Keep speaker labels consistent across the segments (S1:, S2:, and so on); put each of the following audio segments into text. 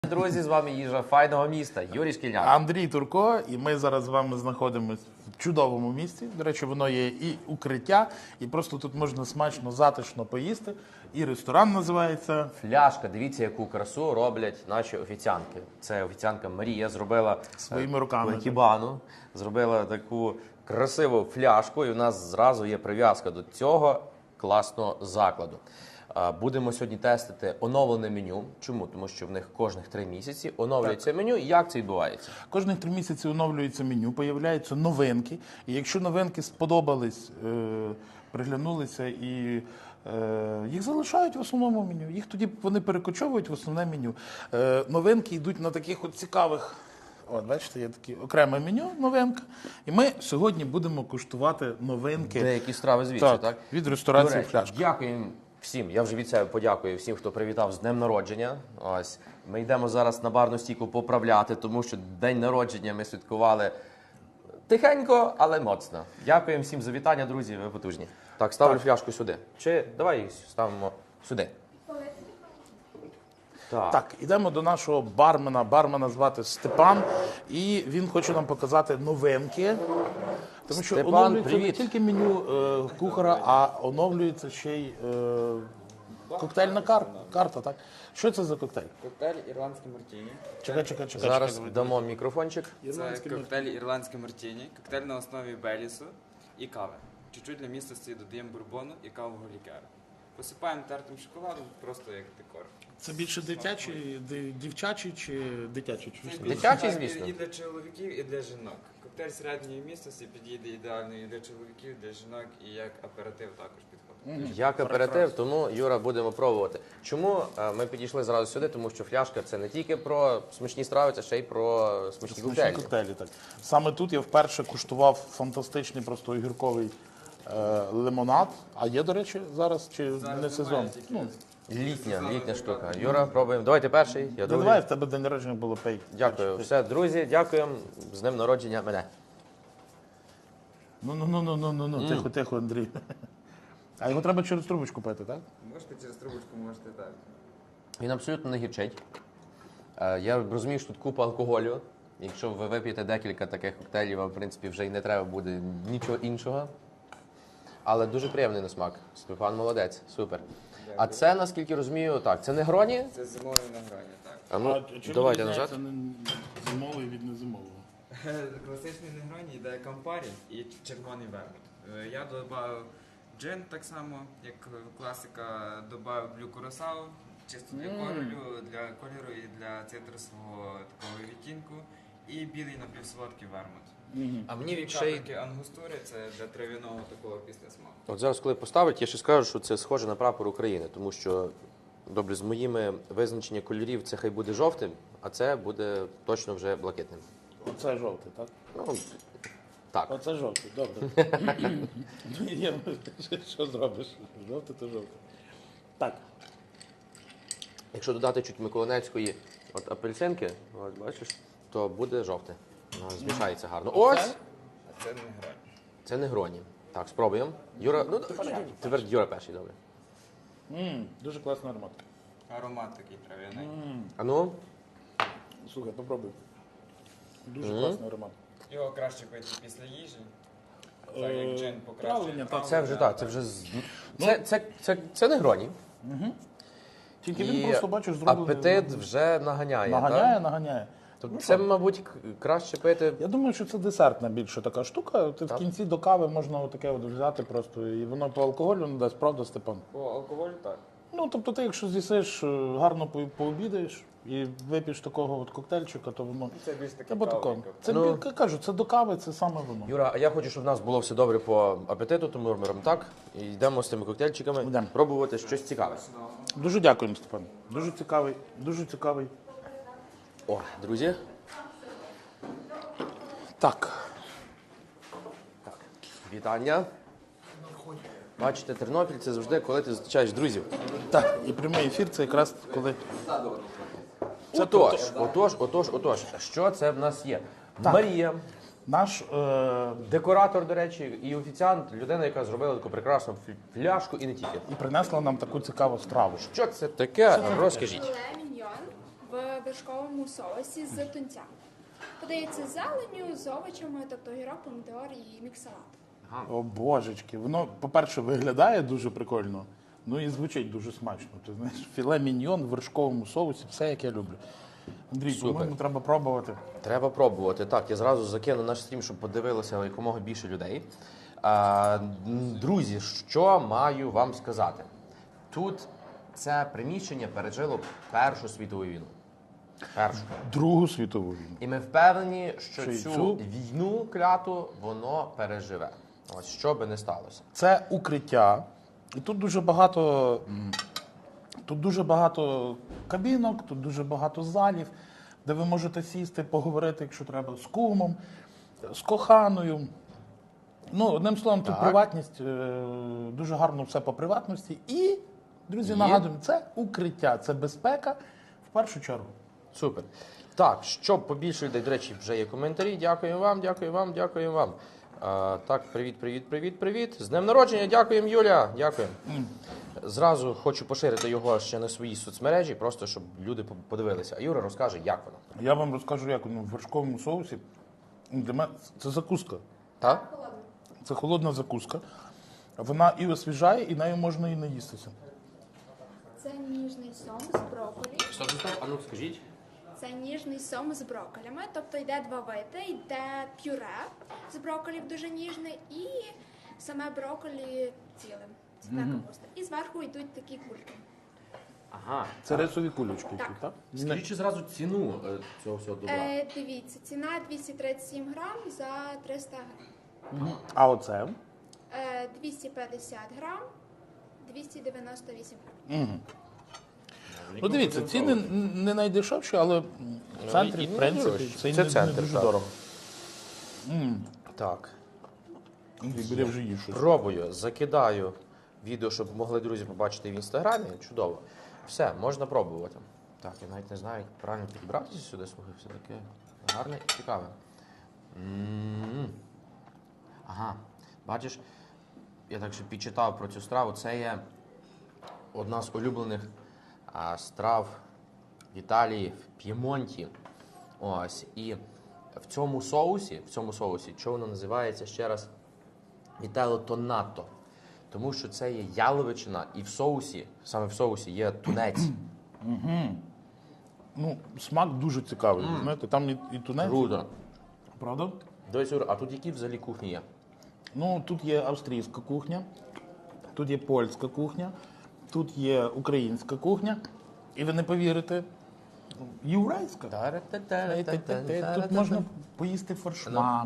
S1: Друзі, з вами їжа файного міста, Юрій Шкільняк.
S2: Андрій Турко, і ми зараз з вами знаходимося в чудовому місці. До речі, воно є і укриття, і просто тут можна смачно, затишно поїсти. І ресторан називається
S1: Фляшка. Дивіться, яку красу роблять наші офіціантки. Це офіціантка Марія зробила
S2: Своїми руками.
S1: Кібану, зробила таку красиву фляжку, і у нас зразу є прив'язка до цього класного закладу. Будемо сьогодні тестити оновлене меню. Чому? Тому що в них кожних 3 місяці оновлюється меню. Як це відбувається?
S2: Кожних 3 місяці оновлюється меню, появляються новинки. І якщо новинки сподобались, приглянулися і їх залишають в основному меню. Їх тоді вони перекочовують в основне меню. Новинки йдуть на таких от цікавих. От, бачите, є таке окреме меню, новинка. І ми сьогодні будемо куштувати новинки.
S1: Деякі страви звідси, так?
S2: Від ресторації
S1: До речі,
S2: «Фляшка».
S1: Дякуємо всім. Я вже від себе подякую всім, хто привітав з днем народження. Ось. Ми йдемо зараз на барну стійку поправляти, тому що день народження ми святкували тихенько, але моцно. Дякуємо всім за вітання, друзі, ви потужні. Так, ставлю фляжку сюди. Чи давай її ставимо сюди.
S2: Так, ідемо до нашого бармена. Бармена звати Степан, і він хоче нам показати новинки. Тому що
S1: Степан,
S2: оновлюється не
S1: привіт.
S2: тільки меню кухара, а оновлюється ще й коктейльна карта. Так? Що це за коктейль?
S3: Коктейль ірландський мартіні.
S2: Чекай.
S1: Зараз дамо мікрофончик.
S3: Це коктейль ірландський мартіні. Коктейль на основі белісу і кави. Чуть-чуть для міцності додаємо бурбону і кавового лікера. Посипаємо тертим шоколадом, просто як декор.
S2: Це більше дівчачий чи дитячий? Чи що?
S1: Дитячий, звісно.
S3: І для чоловіків, і для жінок. Коктейль середньої міцності підійде ідеально і для чоловіків, і для жінок, і як аперитив також підходить.
S1: Як аперитив, тому, Юра, будемо пробувати. Чому ми підійшли зразу сюди? Тому що фляшка – це не тільки про смачні страви, це ще й про смачні коктейлі.
S2: Коктейлі, так. Саме тут я вперше куштував фантастичний просто огірковий лимонад. А є, до речі, зараз чи
S3: Зараз
S2: не сезон?
S3: немає, тільки
S1: Літня штука. Юра, пробуємо. Давайте перший, я другий.
S2: Давай, в тебе день народження було пей.
S1: Дякую. Все, друзі, дякуємо. З днем народження мене.
S2: Ну, тихо, Андрій. А його треба через трубочку пити, так?
S3: Можете через трубочку, можете так.
S1: Він абсолютно не гірчить. Я розумію, що тут купа алкоголю. Якщо ви вип'єте декілька таких коктейлів, вам, в принципі, вже й не треба буде нічого іншого. Але дуже приємний на смак. Степан молодець, супер. А це, наскільки розумію, так, це не гроні?
S3: Це зимовий на грані, так.
S1: А ну, давайте назад.
S2: Це зимовий від незимового.
S3: Класичний негроні йде кампарі і червоний вермут. Я додав джин так само, як класика, додав блю курасау, чисто для кольору і для цитрусового такого відтінку. І білий напівсолодкий вермут.
S1: А мені
S3: І
S1: ще й...
S3: капельки ангустури, це для трав'яного такого післясмаку.
S1: От зараз, коли поставить, я ще скажу, що це схоже на прапор України, тому що, добре, з моїми визначеннями кольорів це хай буде жовтим, а це буде точно вже блакитним.
S2: Оце жовтий, так?
S1: Ну, так.
S2: Оце жовтий, добре. Що зробиш? Жовтий то жовтий. Так.
S1: Якщо додати чуть миколинецької от апельсинки, от бачиш, то буде жовте. Воно змішається гарно. Ось!
S3: А це не грані.
S1: Це не гроні. Так, спробуємо. Юра, ну, тепер Юра перший, добре.
S2: Дуже класний аромат.
S3: Аромат такий трав'яний.
S1: А ну?
S2: Слухай, попробуй. Дуже класний аромат.
S3: Його краще пити після їжі. Так як джин покращує
S2: травлення,
S3: травлення.
S1: Це вже так, це вже... Це не гроні.
S2: Тільки він
S1: І
S2: просто, бачиш, зроблений.
S1: апетит вже наганяє, так?
S2: Наганяє.
S1: Тобто це, мабуть, краще пити...
S2: Я думаю, що це десертна більше така штука. Ти в кінці до кави можна отаке от взяти просто, і воно по алкоголю не дасть, правда, Степан?
S3: По алкоголю так.
S2: Ну, тобто ти, якщо з'їсиш, гарно пообідаєш і вип'єш такого от коктейльчика, то воно...
S3: Це більш таке
S2: Або такого.
S3: кавовий
S2: Це, кажу, це до кави, це саме воно.
S1: Юра, а я хочу, щоб в нас було все добре по апетиту, тому ми робимо так. І йдемо з цими коктейльчиками
S2: Йдемо.
S1: пробувати щось цікаве.
S2: Дуже дякуємо, Степан. Дуже цікавий, дуже цікавий.
S1: О, друзі.
S2: Так.
S1: Вітання. Бачите, Тернопіль – це завжди, коли ти зустрічаєш друзів.
S2: Так, і прямий ефір це якраз коли...
S1: Отож. Що це в нас є? Марія,
S2: Наш
S1: декоратор, до речі, і офіціант, людина, яка зробила таку прекрасну фляжку і не тільки.
S2: і принесла нам таку цікаву страву.
S1: Що це таке? Розкажіть.
S4: Філе міньйон в вершковому соусі з тунця. Подається з зеленню, з овочами, тобто огірок, помідор і мікс-салат.
S2: О, божечки. Воно, по-перше, виглядає дуже прикольно, ну і звучить дуже смачно. Ти знаєш, філе міньйон в вершковому соусі, все як я люблю. Андрій,
S1: Супер.
S2: по-моєму, треба пробувати.
S1: Треба пробувати. Так, я зразу закину наш стрім, щоб подивилося якомога більше людей. Друзі, що маю вам сказати? Тут це приміщення пережило Першу світову війну. Першу.
S2: Другу світову війну.
S1: І ми впевнені, що
S2: Що і
S1: цю
S2: цю?
S1: війну кляту воно переживе. Ось що би не сталося.
S2: Це укриття, і тут дуже багато кабінок, тут дуже багато залів, де ви можете сісти, поговорити, якщо треба, з кумом, з коханою. Ну, одним словом, тут
S1: Так.
S2: приватність, дуже гарно все по приватності. І, друзі, нагадуємо, це укриття, це безпека в першу чергу.
S1: Супер. Так, щоб побільше людей, до речі, вже є коментарі. Дякуємо вам, дякуємо вам, дякуємо вам. Так, привіт. З днем народження, дякуємо, Юля. Дякуємо. Зразу хочу поширити його ще на свої соцмережі, просто щоб люди подивилися. А Юра розкаже, як воно.
S2: Я вам розкажу, як воно в вершковому соусі. Для мене це закуска.
S1: Так?
S2: Це холодна закуска. Вона і освіжає, і нею можна і наїстися.
S4: Це ніжний сом з брокколі.
S1: Стоп, а ну скажіть.
S4: Це ніжний сом з брокколями, тобто йде два види, йде пюре з брокколів дуже ніжне і саме брокколі цілим. Цвітна капуста. І зверху йдуть такі кульки.
S1: Ага.
S2: Це рисові кулечки,
S4: Так.
S2: які, так?
S1: Скажіть ще зразу ціну цього всього добра.
S4: Дивіться, ціна 237 грам за 300 грам.
S2: А оце?
S4: 250 грам, 298 грам.
S2: Ну дивіться, ціни не найдешевші, але в центрі,
S1: і не
S2: в принципі,
S1: дорожчі.
S2: це
S1: Це
S2: не
S1: центр,
S2: дуже
S1: так.
S2: дорого.
S1: Так.
S2: Андрій, бери вже їж щось.
S1: Пробую, закидаю відео, щоб могли друзі побачити в інстаграмі. Чудово. Все, можна пробувати. Так, я навіть не знаю, як правильно підбратися сюди, слухай, все таке гарне і цікаве. Ага, бачиш, я так ще підчитав про цю страву. Це є одна з улюблених страв в Італії, в П'ємонті. Ось. І в цьому соусі, що воно називається ще раз, вітело тонато. Тому що це є яловичина, і в соусі, саме в соусі є тунець.
S2: Ну, смак дуже цікавий. Знаєте, там і тунець.
S1: Круто.
S2: Правда?
S1: Дивись, Юра, а тут які взагалі кухні є?
S2: Ну, тут є австрійська кухня, тут є польська кухня, тут є українська кухня. І ви не повірите, єврейська. Тут можна поїсти форшмак.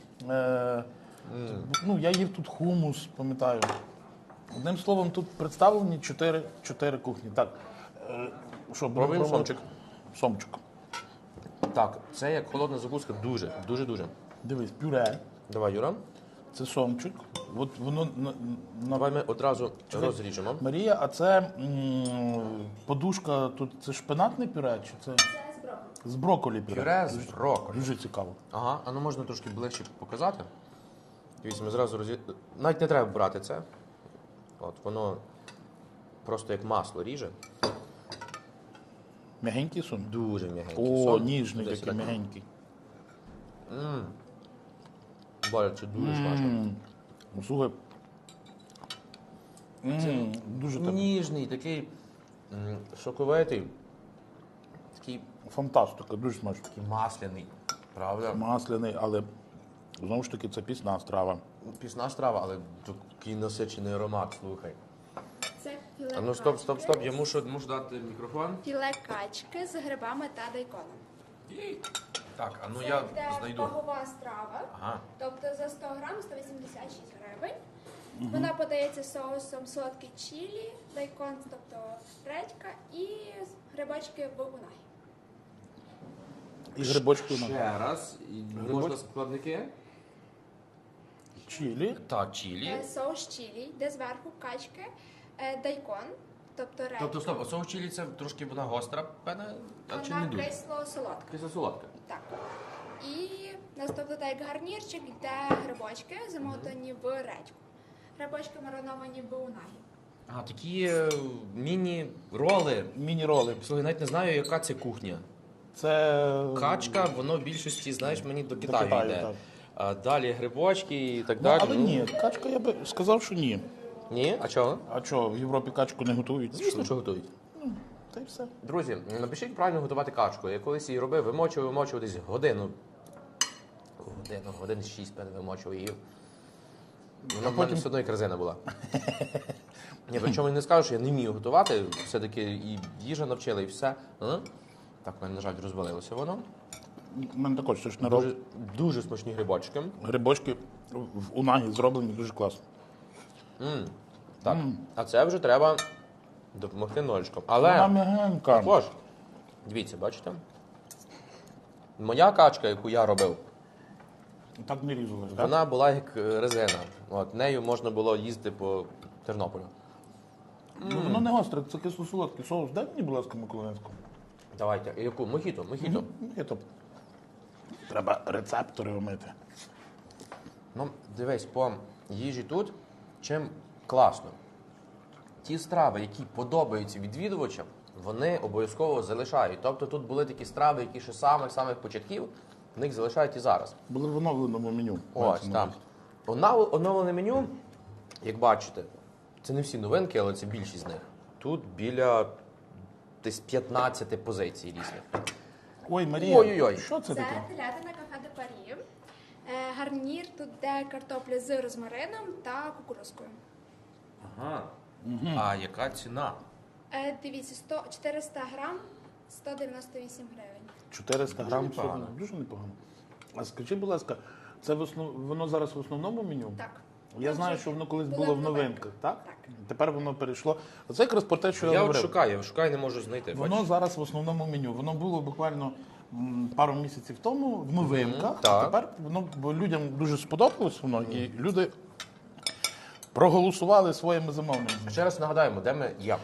S2: Ну, я їв тут хумус, пам'ятаю. Одним словом, тут представлені чотири кухні. Так, що, будемо
S1: Пробуємо
S2: пробувати?
S1: сомчик.
S2: Сомчик.
S1: Так, це як холодна закуска, дуже.
S2: Дивись, пюре.
S1: Давай, Юра.
S2: Це сомчик. От воно на
S1: Давай ми одразу розріжемо.
S2: Марія, а це подушка тут це шпинатне пюре чи це
S4: Це з брокколі.
S2: з брокколі пюре?
S1: Пюре з брокколі.
S2: Дуже цікаво.
S1: Ага, а ну можна трошки ближче показати. Дивіться, ми зразу навіть не треба брати це. От, воно просто як масло ріже.
S2: М'ягенький сон?
S1: Дуже м'ягенький.
S2: О,
S1: Сон.
S2: ніжний
S1: Десь
S2: такий
S1: так.
S2: м'ягенький.
S1: Боже, це дуже смачно.
S2: Слухай. Дуже так.
S1: Ніжний, такий соковитий, такий
S2: Фантастика, дуже смачно.
S1: масляний. Правда?
S2: Масляний, але знову ж таки це пісна страва.
S1: Пісна страва, але такий насичений аромат, слухай.
S4: Це філе
S1: А ну стоп, я мушу дати мікрофон.
S4: Філе качки з грибами та дайконом.
S1: Так, а ну
S4: Це
S1: я
S4: йде
S1: знайду.
S4: вагова страва,
S1: Ага.
S4: тобто за 100 грам 186 гривень. Вона подається соусом солодкий чилі, дайкон, тобто редька і грибочки в унагі.
S2: І грибочки на
S1: Ще раз. Можна складники?
S2: чилі.
S1: Так, чилі.
S4: Соус чилі, де зверху качки, дайкон, тобто редька.
S1: Тобто, стоп, соус чилі це трошки вона гостра, певне, а чи не
S4: Вона
S1: дуже?
S4: кисло-солодка.
S1: Кисло солодка.
S4: Так. І наступно так як гарнірчик йде грибочки, замотані в редьку. Грибочки мариновані в унагі.
S1: А, такі міні-роли.
S2: Міні-роли.
S1: Слухай, навіть не знаю, яка це кухня.
S2: Це
S1: Качка, воно в більшості, знаєш, мені до Китаю
S2: Китаю,
S1: йде.
S2: так.
S1: А далі грибочки і так
S2: Ну,
S1: далі.
S2: але ні, качка я би сказав, що ні.
S1: Ні? А чого?
S2: А що, в Європі качку не готують?
S1: Звісно, що готують.
S2: Та й все.
S1: Друзі, напишіть правильно готувати качку. Я колись її робив, вимочував десь годину. Годин 6 вимочував її. Вона в мене все одно як резина була. Ні, причому я не скажу, що я не вмію готувати. Все-таки і їжа навчила, і все. Так, в мене, на жаль, розвалилося воно.
S2: У мене також це ж не роб.
S1: Дуже, дуже смачні грибочки.
S2: Грибочки в унагі зроблені дуже класно.
S1: Так. А це вже треба допомогти ножичком.
S2: Вона
S1: Але
S2: м'ягенька.
S1: також, дивіться, бачите? Моя качка, яку я робив,
S2: Так не різалось, так?
S1: вона була як резина. От, нею можна було їздити по Тернополю.
S2: Ну, воно не гостре, це кисло-солодкий соус. Дай мені, будь ласка, Миколаївську.
S1: Давайте. І яку? Мохіто.
S2: Треба рецептори вмити.
S1: Ну, дивись, по їжі тут чим класно. Ті страви, які подобаються відвідувачам, вони обов'язково залишають. Тобто тут були такі страви, які ще з самих початків, них залишають і зараз.
S2: Були в оновленому меню.
S1: Ось, так. Оновлене меню, як бачите, це не всі новинки, але це більшість з них. Тут біля десь 15 позицій різних.
S2: Ой, Марія,
S1: Ой-ой-ой.
S2: що це
S4: Це
S2: таке?
S4: телятина кафе де Парі. Гарнір тут де картопля з розмарином та кукурузкою.
S1: Ага. А яка ціна?
S4: Дивіться, 400 грам, 198 гривень.
S2: 400 грам
S1: непогано.
S2: всього. Дуже непогано. А скажи, будь ласка, це воно зараз в основному меню?
S4: Так.
S2: Я знаю, що воно колись було в новинках, так?
S4: Так.
S2: Тепер воно перейшло. Оце якраз про те, що я
S1: Я от
S2: говорив.
S1: шукаю, не можу знайти.
S2: Воно
S1: бачиш?
S2: зараз в основному меню. Воно було буквально пару місяців тому в новинках. А
S1: так.
S2: тепер воно бо людям дуже сподобалось воно, і люди проголосували своїми замовленнями.
S1: Ще раз нагадаємо, де ми є.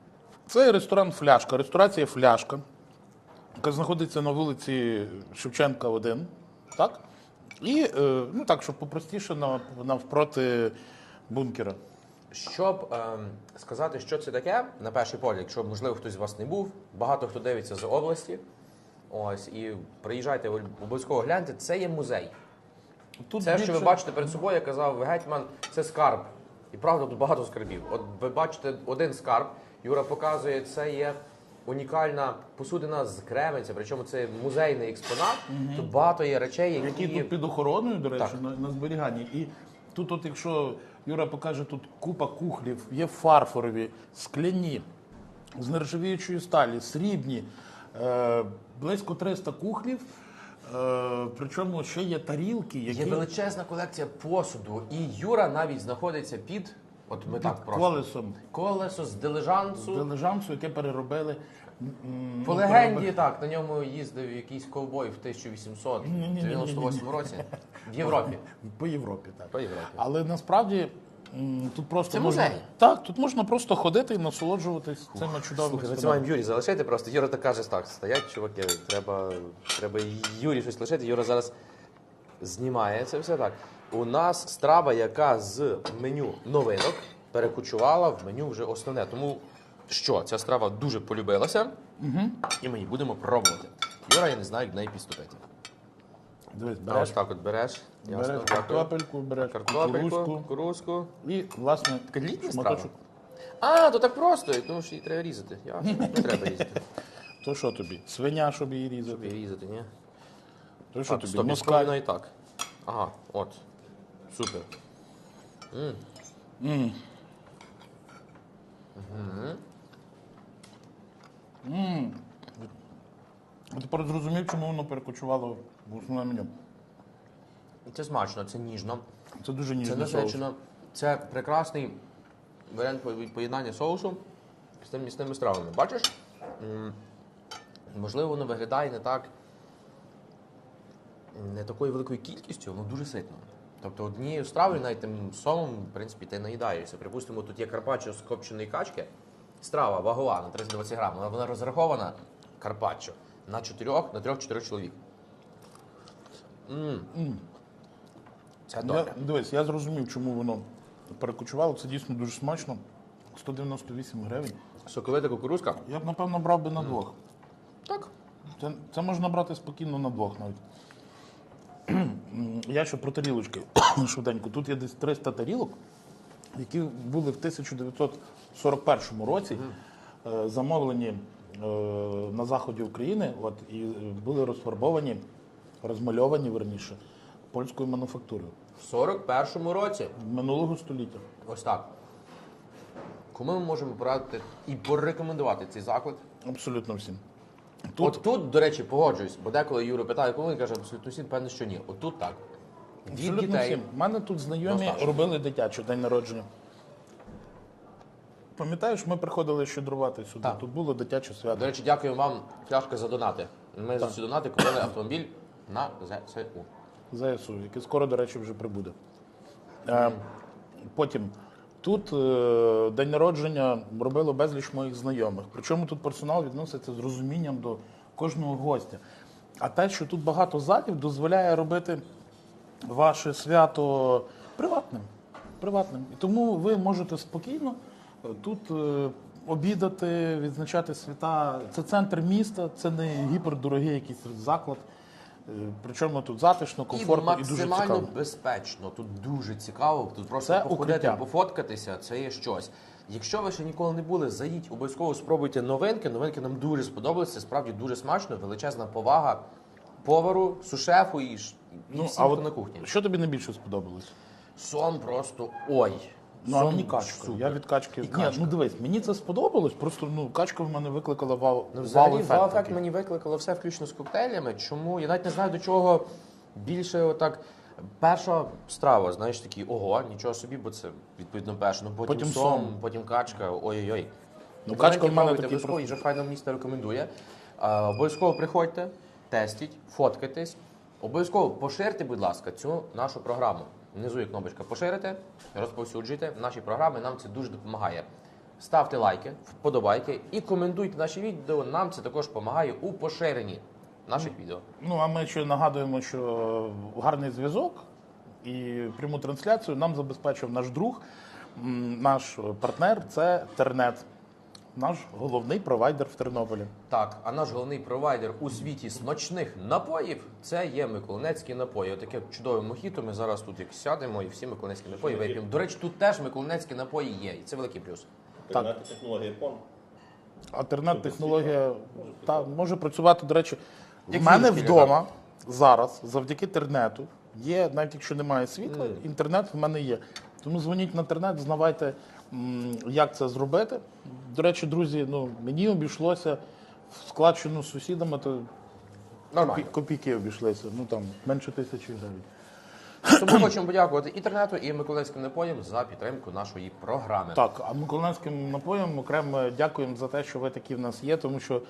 S2: Це ресторан Фляшка, ресторація Фляшка, яка знаходиться на вулиці Шевченка, 1. Так? І, ну так, щоб попростіше, навпроти бункера.
S1: Щоб сказати, що це таке, на перший погляд, якщо, можливо, хтось з вас не був, багато хто дивиться з області, ось, і приїжджайте, обов'язково гляньте, це є музей.
S2: Тут
S1: Це, що ви
S2: більше-
S1: бачите перед собою, як казав гетьман, це скарб. І правда, тут багато скарбів. От ви бачите один скарб, Юра показує, це є унікальна посудина з Кременця, причому це музейний експонат. Тут багато є речей,
S2: які тут під охороною, до речі,
S1: Так.
S2: на зберіганні. І тут, от якщо Юра покаже, тут купа кухлів, є фарфорові, скляні, з нержавіючої сталі, срібні, близько 300 кухлів. Причому ще є тарілки, які
S1: Є величезна колекція посуду, і Юра навіть знаходиться під, от ми так просто,
S2: колесом
S1: колесо з дилижансу.
S2: дилижансу, яке переробили.
S1: По легенді, так, на ньому їздив якийсь ковбой в 1898 році в Європі.
S2: По Європі, так.
S1: По Європі.
S2: Але насправді тут просто
S1: Це
S2: можна,
S1: музей.
S2: так, тут можна просто ходити і насолоджуватись цими чудовими
S1: Слухай, ми це
S2: стінами.
S1: маємо Юрі залишити просто. Юра так каже, так, стоять, чуваки, треба Юрі щось лишити. Юра зараз знімає це все так. У нас страва, яка з меню новинок перекочувала в меню вже основне. Тому що ця страва дуже полюбилася, і ми її будемо пробувати. Юра, я не знаю, як до неї підступити.
S2: Дивись,
S1: А ось
S2: береш,
S1: так от береш. Ясно,
S2: береш
S1: дякую.
S2: картопельку, береш
S1: Картопельку,
S2: кукурузку
S1: кукурузку.
S2: і, власне,
S1: Така літня
S2: шматочок.
S1: А, то так просто, тому що її треба різати. Ясно, не треба різати.
S2: То що тобі? Свиня, щоб її різати?
S1: Тобі різати, ні?
S2: То що
S1: Так,
S2: тобі?
S1: стоп, я
S2: Москаль?
S1: спробую і так. Ага, от. Супер.
S2: Я тепер зрозумів, чому воно перекочувало в основне меню.
S1: Це смачно, це ніжно,
S2: Це дуже
S1: це
S2: ніжний соус.
S1: насичено. Це прекрасний варіант поєднання соусу з тими місними стравами. Бачиш? Можливо, воно виглядає не такою великою кількістю, воно дуже ситно. Тобто однією стравою, навіть тим сомом, в принципі, ти наїдаєшся. Припустимо, тут є карпаччо з копченої качки. Страва вагова на 320 грам, але вона розрахована карпаччо на 3-4 чоловік. Це добре.
S2: Дивись, я зрозумів, чому воно перекочувало. Це дійсно дуже смачно. 198 гривень.
S1: Соковита кукурузка.
S2: Я б, напевно, брав би на двох.
S1: Так.
S2: Це можна брати спокійно на двох навіть. Я ще про тарілочки швиденько. Тут є десь 300 тарілок, які були в 1941 році замовлені на заході України і були розфарбовані, розмальовані, верніше, польською мануфактурою
S1: В 41-му році.
S2: минулого століття.
S1: Ось так. Кому ми можемо порадити і порекомендувати цей заклад?
S2: Абсолютно всім.
S1: От тут, до речі, погоджуюсь, бо деколи Юра питає, коли він каже, абсолютно всім, певне, що ні. От тут так. Від
S2: Абсолютно
S1: дітей.
S2: всім. У мене тут знайомі
S1: Достатньо.
S2: робили дитячий день народження. Пам'ятаєш, ми приходили щедрувати сюди.
S1: Так.
S2: Тут було дитяче свято.
S1: До речі, дякуємо вам, Фляшка, за донати. Ми за ці донати купили автомобіль на ЗСУ.
S2: ЗСУ, який скоро, до речі, вже прибуде. Потім тут день народження робило безліч моїх знайомих. Причому тут персонал відноситься з розумінням до кожного гостя. А те, що тут багато залів, дозволяє робити ваше свято приватним. Приватним. І тому ви можете спокійно тут обідати, відзначати свята. Це центр міста, це не гіпердорогий якийсь заклад. Причому тут затишно, комфортно і дуже
S1: максимально
S2: цікаво.
S1: безпечно. Тут дуже цікаво. Тут просто
S2: Це
S1: походити,
S2: укриття.
S1: пофоткатися, це є щось. Якщо ви ще ніколи не були, заїдь, обов'язково спробуйте новинки. Новинки нам дуже сподобалися. Це справді дуже смачно, величезна повага повару, сушефу і всім,
S2: а
S1: хто на кухні.
S2: що тобі найбільше сподобалось?
S1: Сом просто ой.
S2: Ну, а
S1: Сом
S2: мені качка.
S1: супер.
S2: Я від качки.
S1: І
S2: Ні,
S1: качка.
S2: ну дивись, мені це сподобалось, просто качка в мене викликала
S1: Ну, взагалі,
S2: вау-ефект.
S1: вау-ефект
S2: такий.
S1: мені викликало все включно з коктейлями. Чому? Я навіть не знаю, до чого більше отак. Перша страва, знаєш, такий, ого, нічого собі, бо це відповідно перше. Ну потім
S2: Потім
S1: сом,
S2: сом.
S1: потім качка, ой-ой-ой.
S2: Ну,
S1: Новинки
S2: качка в мене
S1: пробуйте,
S2: такий
S1: обов'язково,
S2: просто-
S1: їжа файна місто рекомендує. Обов'язково приходьте, тестіть, фоткайтесь. Обов'язково поширте, будь ласка, цю нашу програму. Внизу є кнопочка поширити, розповсюджуйте наші програми, нам це дуже допомагає. Ставте лайки, вподобайки і коментуйте наші відео. Нам це також допомагає у поширенні наших відео.
S2: Ну, а ми ще нагадуємо, що гарний зв'язок і пряму трансляцію нам забезпечив наш друг, наш партнер – це Тернет, наш головний провайдер в Тернополі.
S1: Так, а наш головний провайдер у світі смачних напоїв це є Миколинецькі напої. Отаке чудове мохіто. Ми зараз тут як сядемо і всі миколинецькі напої вип'ємо. До речі, тут теж миколинецькі напої є, і це великий плюс.
S2: Так.
S5: Технологія PON.
S2: А Тернет-технологія може працювати, до речі,
S1: Як
S2: в мене
S1: фільм,
S2: вдома зараз, завдяки Тернету, є, навіть якщо немає світла, інтернет в мене є. Тому дзвоніть на Тернет, знавайте, як це зробити. До речі, друзі, мені обійшлося в складчину з сусідами, то
S1: Нормально.
S2: копійки обійшлися, там менше 1000 гривень.
S1: Тому хочемо подякувати інтернету і миколинецьким напоям за підтримку нашої програми.
S2: Так, а миколинецьким напоям окремо дякуємо за те, що ви такі в нас є, тому що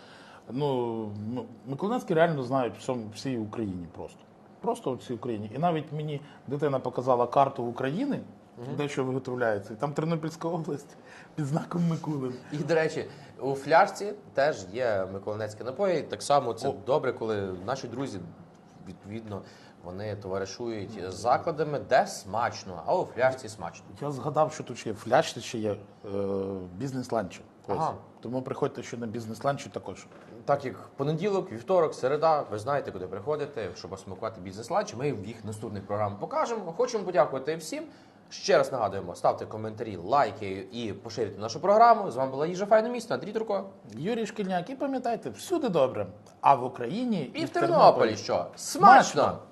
S2: миколинецькі реально знають всій Україні просто. Просто в всій Україні. І навіть мені дитина показала карту України, де що виготовляється. І там Тернопільська область під знаком Микулин.
S1: І, до речі, у фляжці теж є миколинецькі напої. Так само це добре, коли наші друзі, відповідно, вони товаришують з закладами, де смачно, а у фляжці смачно.
S2: Я згадав, що тут ще є в фляжці, ще є бізнес-ланчі. Ось.
S1: Ага.
S2: Тому приходьте ще на бізнес-ланчі також.
S1: Так як понеділок, вівторок, середа, ви знаєте, куди приходити, щоб осмакувати бізнес-ланч. Ми в їх наступних програмах покажемо. Хочемо подякувати всім. Ще раз нагадуємо, ставте коментарі, лайки і поширюйте нашу програму. З вами була Їжа Файне місто, Андрій Турко.
S2: Юрій Шкільняк, і пам'ятайте, всюди добре. А в Україні
S1: І в Тернополі що? Смачно!